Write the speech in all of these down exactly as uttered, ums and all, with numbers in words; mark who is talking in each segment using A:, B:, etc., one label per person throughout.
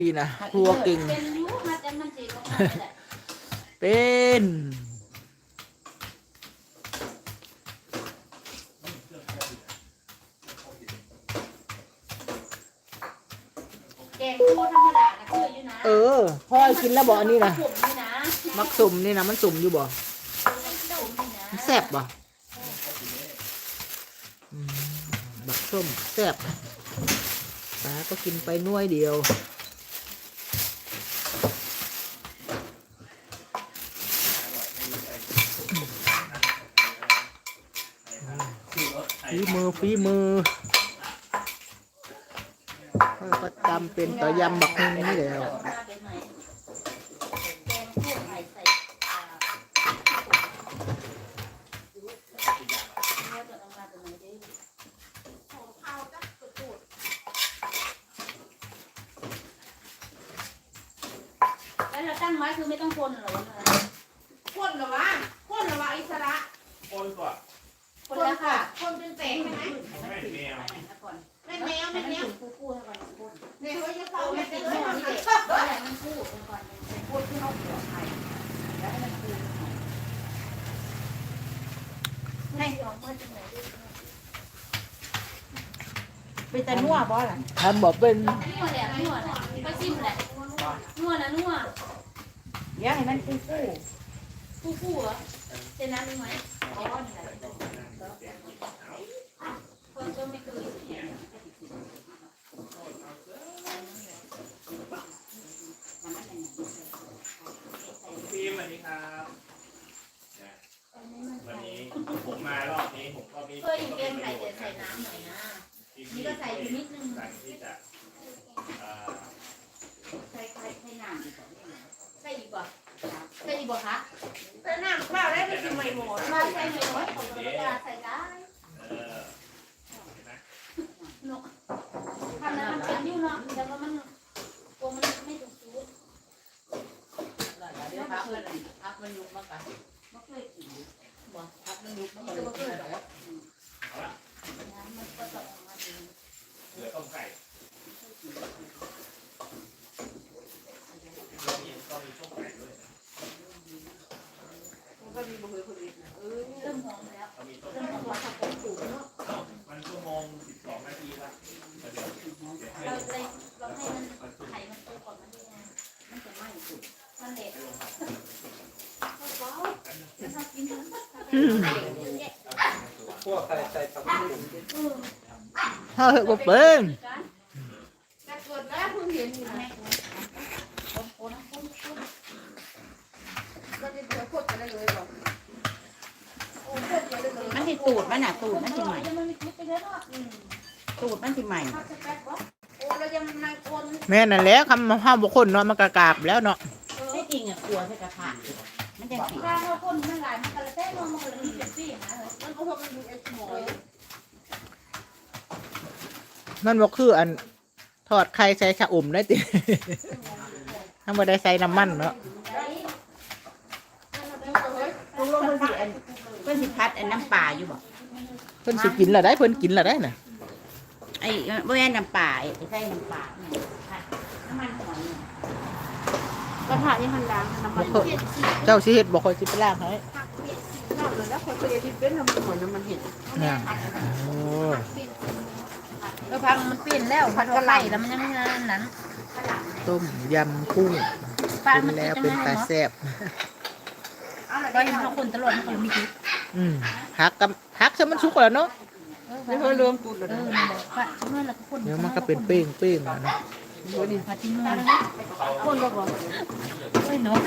A: ดีนะครัวเก่ง
B: เป็นยูมาแต่มันสิลงมาไม่ได้
A: เป็น
B: แกงคั่วธรรมดานะคืออยู่นะ
A: เออพ่อยกินแล้วบอกอันนี้นะ
B: ผมนี่นะ
A: มักสุ่มนี่นะมันสุ่มอยู่บ่แซ่บบ่อืมบักส้มแซ่บตาก็กินไปน้วยเดียวฝีมือฝีมือก็ตำเป็นต่อยำบักฮุงนี่แล้ว
B: แล้วเราตั้งไว้คือไม่ต้องคนหรอ
C: คนเหรอวะคนเหรอวะอิสระ
D: คนก่อน
B: คนแล้วค่ะ
C: คนเป็นแสงใช่ไหม
D: ไม่แมว
C: แม่แมวแม่แมว
B: คู่คู่ให้ก่อนพูด
C: เนี่ยเขาจะเข้า
B: ไม่
C: แม่
B: ติ
C: ติ
B: ด
C: ด
B: โม่
C: เลย
B: นี่
C: ค่ะ
B: เด็กแล้วมันพูดก่อนพูดที่เขาปลอดภัยแล้วให้มันพูดให้ออกมาจากไหนไปแต่นัวบ่ล่ะ
A: ทำบอกเป็น
B: นัวแหละนัวนะไปซิมแหละนัวนะนัว
C: เดี๋ยวให้มันคู่คู่
B: คู่คู่เหรอเจน้ำมีไหมอ๋อนี่แหละคนก็ไม่เคย
D: ฟิล์มสวัสดีครับวันนี้ผมมารอบนี้ผมก็มี
B: เคยอยู่เกมไข่แต่ใส่น้ำหน่อยนะนี่ก็ใส่อยู่นิดนึง
D: สั่งที่จะ
B: ใส่ไข่ใส่น้ำใส่อีกบ่ใส่อีกบ่คะ
C: แต่น้ำข้าวได้ไปกินไม่หมด
B: มาใส่ไม่น้อยของเราจะใส่ได้
D: เออ
B: เนาะทำแล้วมันเป็นนิ้วเนาะแต่ว่ามันตัวมันไม่ถูกจุด
C: เดี๋ยวพักมันพักมันยุบมากกว่า
B: ไม่เคยกิน
C: พักมันยุบมากก
B: ตัว
C: ว่า
B: เคยหรอกน้ำมันก็จะออกมาดี
D: เหลือต้มไก่ก็มีต้มไก่ด้วย
C: มันก็มีบุหรี่คนอื่นนะเออ
B: เริ่มหอมแล้ว
D: ก็มีต้ม
B: เริ่ม
D: ไก่
B: หอมแล้ว
C: ของปู่เนาะ
D: มันชั่วโมงสิบสองนาทีละเดี๋ยวเดี๋ยวให้
B: เราเลยเราให้มันไข่มันโตก่อนมันได้ไงมันจะไหม้สุดมันเด็ดถ้ากินทั้ง
E: พวกใส่ใส่ตำลึง
A: เฮ้ยบอกเป็น
C: แต่เกิดแล้วเพิ่งเห็นอยู่นะก็จะเดี๋ยวโคตรไปได้เลยหรอกโอ้โคตรไปได้เลย
F: มันสิตูดมันน่ะตูดมันสิใหม่
B: มันมีคลิปไปแล้วเนาะ
F: ตูดมันสิใหม่
B: ถ้าจะแป๊บวะ
C: โอ้เรายังนายคน
A: แม่นั่นแหละคำห้ามบุคคลเนาะมันกระกาบแล้วเนาะ
F: ที่จริงอ่ะกลัวใส่กระทะมันจะสี
B: ถ้าเราคนมันหลายมันกระเต้นมันมันมีเจ็บซี่นะ
C: มันก็พอมันดูไอ้หมอย
A: มันบอกคืออันทอดไข่ใส่ชะอมได้ติ ถ้าไม่ได้ใส่น้ำมันเนาะ
F: ลุงลงเพิ่นสิอันเพิ่นสิพัดอันน้ำปลาอยู่บ่
A: เพิ่นสิกินละได้เพิ่นกินละได้น่ะ
F: ไอ้บ่แม่นน้ำปลาไอ้ใส่น้ำปลาเนี่ยพัดน้ำมันหอยเนี่ย
C: กระทะยังมันล้างน้ำมัน
A: บ่เจ้าสิเฮ็ดบ่ค่อยสิไปล้างให้
C: น้ำเลยแล้วคนเคยที่เป็นน้ำมันเหมือนน้ำมันเห็ด
A: เนี่ยโอ้
B: เออพักมันเปลี่ยนแล้วพัดก็ไล่แล้วมันยังนั้น
A: ต้มยำกุ้งกินแล้วเป็นตาแซ่บ
B: ก็ยังเขาคนตลอดเขามีคลิป
A: อืมผักกับผักซะมันสุกแล้วเนาะ
C: ไม่เคยรวมตุดเลย
B: เออนั่นแหละก็เมื่อเราก็คน
A: เดี๋ยวมันก็เป็นเป้งเป้งๆอะเนาะ
B: พัดที่เมื่อ
C: คนก็บอก
B: โอ้ยเนาะ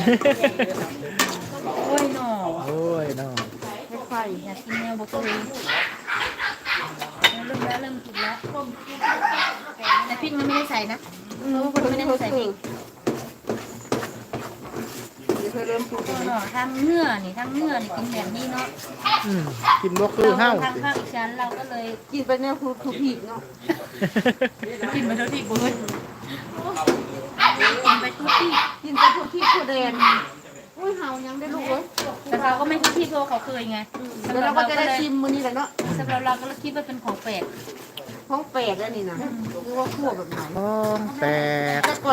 B: โอ้ยเนาะ
A: โอ้ยเนาะ
C: ไม่ไฟ
B: อยากกินแนวบกเลยเริ่มแล้วเริ่มกินแล้วแต่พริกมันไม่ได้ใส่นะเออมันไม่ได้ใส่พริก
C: ไม่เคยเริ่มตุด
B: เออเนาะทางเนื้อนี่ทางเนื้อนี่กินแบบนี้เนาะ
A: อืมกินบ่คือเฮา
B: ทางภาคอีสานเราก็เลย
C: กินไปเนี่ยคือคือผีเนาะ
B: กินไปทุกที่บุ้ยกินไปทุกที่
C: กินไปทุกที่ทุกแดนอุ้ยเฮายังได้ลูกเว้ย
B: แต่เราก็ไม่ทุกที่เพราะเขาเคยไง
C: แล้วเราก็จะได้ชิมมื้อนี้แหละเนาะ
B: สำหรับเราก็คิดว่าเป็นของแปลก
C: เพของแปลกแล้วนี่นะคือว่าคั่วแบบไหน
A: ของแปลก